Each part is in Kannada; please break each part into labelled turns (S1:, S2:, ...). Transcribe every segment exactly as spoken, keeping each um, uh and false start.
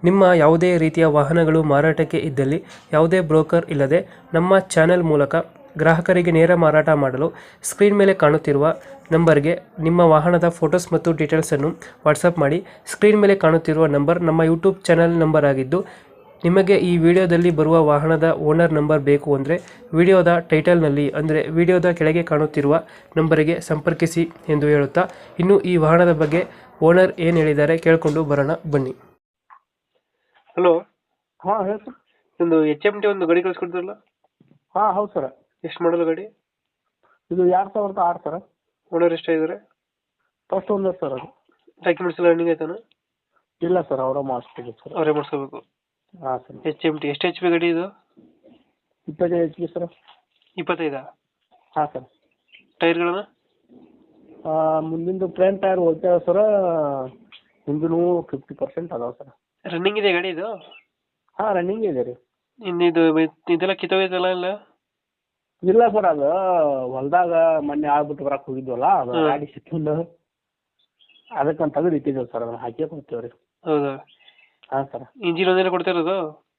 S1: ನಿಮ್ಮ ಯಾವುದೇ ರೀತಿಯ ವಾಹನಗಳು ಮಾರಾಟಕ್ಕೆ ಇದ್ದಲ್ಲಿ ಯಾವುದೇ ಬ್ರೋಕರ್ ಇಲ್ಲದೆ ನಮ್ಮ ಚಾನೆಲ್ ಮೂಲಕ ಗ್ರಾಹಕರಿಗೆ ನೇರ ಮಾರಾಟ ಮಾಡಲು ಸ್ಕ್ರೀನ್ ಮೇಲೆ ಕಾಣುತ್ತಿರುವ ನಂಬರ್ಗೆ ನಿಮ್ಮ ವಾಹನದ ಫೋಟೋಸ್ ಮತ್ತು ಡೀಟೇಲ್ಸನ್ನು ವಾಟ್ಸಪ್ ಮಾಡಿ. ಸ್ಕ್ರೀನ್ ಮೇಲೆ ಕಾಣುತ್ತಿರುವ ನಂಬರ್ ನಮ್ಮ ಯೂಟ್ಯೂಬ್ ಚಾನೆಲ್ ನಂಬರ್ ಆಗಿದ್ದು, ನಿಮಗೆ ಈ ವಿಡಿಯೋದಲ್ಲಿ ಬರುವ ವಾಹನದ ಓನರ್ ನಂಬರ್ ಬೇಕು ಅಂದರೆ ವಿಡಿಯೋದ ಟೈಟಲ್ನಲ್ಲಿ ಅಂದರೆ ವಿಡಿಯೋದ ಕೆಳಗೆ ಕಾಣುತ್ತಿರುವ ನಂಬರಿಗೆ ಸಂಪರ್ಕಿಸಿ ಎಂದು ಹೇಳುತ್ತಾ, ಇನ್ನು ಈ ವಾಹನದ ಬಗ್ಗೆ ಓನರ್ ಏನು ಹೇಳಿದ್ದಾರೆ ಕೇಳಿಕೊಂಡು ಬರೋಣ ಬನ್ನಿ. ಹಲೋ,
S2: ಹಾಂ ಹೇಳಿ ಸರ್.
S1: ಒಂದು ಎಚ್ ಎಮ್ ಟಿ ಒಂದು ಗಾಡಿ ಕಳಿಸ್ಕೊಡ್ತಾರಲ್ಲ,
S2: ಹಾಂ ಹೌದು ಸರ್.
S1: ಎಷ್ಟು ಮಾಡಲ್ಲ ಗಾಡಿ?
S2: ಇದು ಎರಡು ಸಾವಿರದ ಆರು ಸರ್.
S1: ಓನರ್ ಎಷ್ಟಾಗಿದ್ದಾರೆ?
S2: ಫಸ್ಟ್ ಓನರ್ ಸರ್ ಅದು.
S1: ಡಾಕ್ಯುಮೆಂಟ್ಸ್ ಎಲ್ಲ ರನ್ನಿಂಗ್ ಆಯ್ತಾನ?
S2: ಇಲ್ಲ ಸರ್, ಅವರ ಮಾಡಿಸ್ತೀವಿ ಸರ್.
S1: ಅವರೇ ಮಾಡಿಸ್ಕೋಬೇಕು.
S2: ಹಾಂ ಸರ್.
S1: ಎಚ್ ಎಮ್ ಟಿ ಎಷ್ಟು ಎಚ್ ಪಿ ಗಾಡಿ ಇದು?
S2: ಇಪ್ಪತ್ತೈದು ಎಚ್ ಪಿ ಸರ್.
S1: ಇಪ್ಪತ್ತೈದಾ?
S2: ಹಾಂ ಸರ್.
S1: ಟೈರ್ಗಳನ್ನ?
S2: ಮುಂದಿಂದು ಫ್ರಂಟ್ ಟೈರ್ ಹೋಗ್ತೇವೆ ಸರ್, ಹಿಂದಿನೂ ಫಿಫ್ಟಿ ಪರ್ಸೆಂಟ್ ಅದಾವೆ ಸರ್.
S1: ರನ್ನಿಂಗ್ ಇದೆ ಗಾಡಿ ಇದು?
S2: ಹಾಂ ರನ್ನಿಂಗ್ ಇದೆ ರೀ.
S1: ಇನ್ನು ಇದು ಇದೆಲ್ಲ ಕಿತ್ತೋಗೈತಲ್ಲ ಎಲ್ಲ?
S2: ಇಲ್ಲ ಸರ್, ಅದು ಹೊಲದಾಗ ಮೊನ್ನೆ ಆಗ್ಬಿಟ್ಟು ಬರಕ್ಕೆ ಹೋಗಿದ್ವಲ್ಲ, ಅದು
S1: ಹ್ಮ್.
S2: ಗಾಡಿ ಸಿಕ್ಕಿಂದು ಅದಕ್ಕಂತ ತೆಗೆದು ಇಟ್ಟಿದ್ದೇವೆ ಸರ್, ಅದನ್ನು ಹಾಕಿ ಕೊಡ್ತೇವೆ ರೀ.
S1: ಹೌದಾ?
S2: ಹಾಂ ಸರ್.
S1: ಇಂಜಿನ್ ಒಂದೇನೆ ಕೊಡ್ತಾ ಇರೋದು?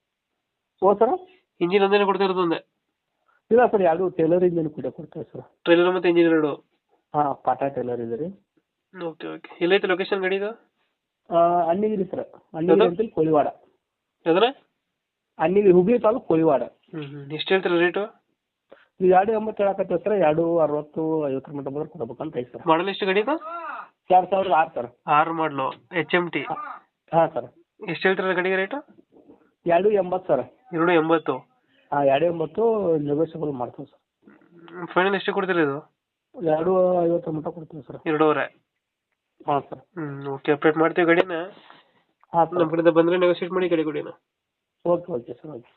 S2: ಓ ಸರ್.
S1: ಇಂಜಿನ್ ಒಂದೇನೆ ಕೊಡ್ತಾ ಇರೋದು ಒಂದೇ?
S2: ಇಲ್ಲ ಸರ್, ಎರಡು ಟೇಲರ್ ಇಂಜಿನ್ ಕೂಡ ಕೊಡ್ತೇವೆ ಸರ್.
S1: ಟ್ರೈಲರ್ ಮತ್ತು ಇಂಜಿನ್ ಎರಡು?
S2: ಹಾಂ, ಪಾಟಾ ಟೇಲರ್ ಇದೆ ರೀ.
S1: Okay okay. ಎಲ್ಲೈತೆ ಲೊಕೇಶನ್ ಗಾಡಿ ಇದು?
S2: ಅಣ್ಣಿಗಿರಿ ಸರ್, ಅಣ್ಣಿಗಿರಿ ಅಂತೇಳಿ ಕೋಳಿವಾಡ.
S1: ಯಾವ್ದಾರ?
S2: ಅಣ್ಣಿಗಿರಿ, ಹುಬ್ಳಿ ತಾಲೂಕು ಕೋಳಿವಾಡ.
S1: ಹ್ಞೂ ಹ್ಞೂ. ಎಷ್ಟು ಹೇಳ್ತೀರಾ ರೇಟು?
S2: ಇದು ಎರಡು ಎಂಬತ್ತು ಹೇಳಕತ್ತೀವಿ ಸರ್, ಎರಡು ಅರವತ್ತು ಐವತ್ತರ ಮಟ್ಟ ಬಂದ್ರೆ ಕೊಡ್ಬೇಕಂತ ಐತೆ ಸರ್.
S1: ಮಾಡಲ್ ಎಷ್ಟು ಗಾಡಿ ಇದು?
S2: ಎರಡು ಸಾವಿರದ ಆರು ಸರ್.
S1: ಆರು ಮಾಡಲು ಎಚ್ ಎಮ್ ಟಿ.
S2: ಹಾಂ ಸರ್.
S1: ಎಷ್ಟು ಹೇಳ್ತೀರಾ ಗಾಡಿಗೆ ರೇಟು?
S2: ಎರಡು ಎಂಬತ್ತು ಸರ್.
S1: ಎರಡು ಎಂಬತ್ತು?
S2: ಹಾಂ, ಎರಡು ಎಂಬತ್ತು ನೆಗೋಷಿಯಬಲ್ ಮಾಡ್ತೀವಿ ಸರ್.
S1: ಫೈನಲ್ ಎಷ್ಟು ಕೊಡ್ತೀರಾ ಇದು?
S2: ಎರಡು ಐವತ್ತರ ಮಟ್ಟ ಕೊಡ್ತೀವಿ ಸರ್.
S1: ಎರಡೂವರೆ?
S2: ಹಾಂ ಸರ್.
S1: ಹ್ಞೂ ಓಕೆ. ಅಪ್ಡೇಟ್ ಮಾಡ್ತೀವಿ ಗಾಡಿನ.
S2: ಹಾಂ
S1: ನಮ್ಮ
S2: ಸರ್.
S1: ಕಡೆಯಿಂದ ಬಂದರೆ ನೆಗೋಷಿಯೇಟ್ ಮಾಡಿ ಗಾಡಿ ಕೊಡಿನ.
S2: Okay okay sir, okay.